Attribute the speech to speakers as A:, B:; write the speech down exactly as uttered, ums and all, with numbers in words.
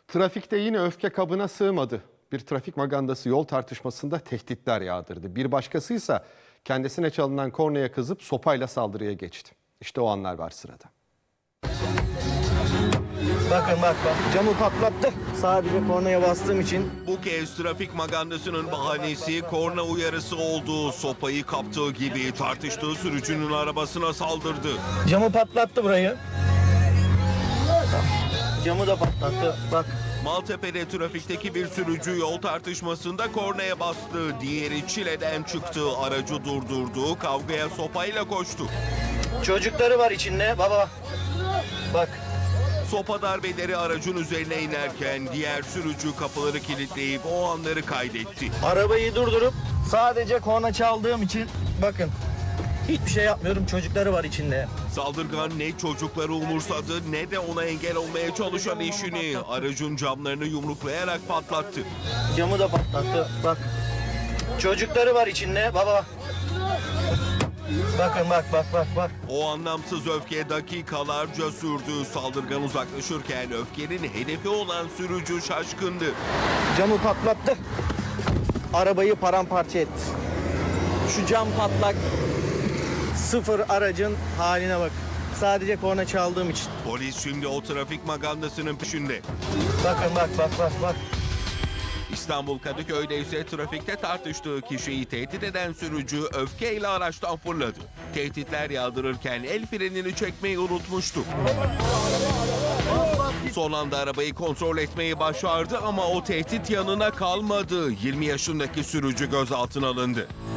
A: Trafikte yine öfke kabına sığmadı. Bir trafik magandası yol tartışmasında tehditler yağdırdı. Bir başkasıysa kendisine çalınan kornaya kızıp sopayla saldırıya geçti. İşte o anlar var sırada.
B: Bakın bak bak camı patlattı sadece kornaya bastığım için.
C: Bu kez trafik magandasının bahanesi korna uyarısı oldu. Sopayı kaptığı gibi tartıştığı sürücünün arabasına saldırdı.
B: Camı patlattı burayı. Camı da patlattı bak.
C: Maltepe'de trafikteki bir sürücü yol tartışmasında kornaya bastı. Diğeri çileden çıktı, aracı durdurdu, kavgaya sopayla koştu.
B: Çocukları var içinde baba. Bak.
C: Sopa darbeleri aracın üzerine inerken diğer sürücü kapıları kilitleyip o anları kaydetti.
B: Arabayı durdurup sadece korna çaldığım için bakın. Hiçbir şey yapmıyorum, çocukları var içinde.
C: Saldırgan ne çocukları umursadı ne de ona engel olmaya çalışan eşini. Aracın camlarını yumruklayarak patlattı.
B: Camı da patlattı bak. Çocukları var içinde baba. Bakın bak bak bak bak.
C: O anlamsız öfke dakikalarca sürdü. Saldırgan uzaklaşırken öfkenin hedefi olan sürücü şaşkındı.
B: Camı patlattı. Arabayı paramparça etti. Şu cam patlak. Sıfır aracın haline bak. Sadece korna çaldığım için.
C: Polis şimdi o trafik magandasının peşinde.
B: Bakın bak bak bak bak.
C: İstanbul Kadıköy'de ise trafikte tartıştığı kişiyi tehdit eden sürücü öfkeyle araçtan fırladı. Tehditler yağdırırken el frenini çekmeyi unutmuştu. Son anda arabayı kontrol etmeyi başardı ama o tehdit yanına kalmadı. yirmi yaşındaki sürücü gözaltına alındı.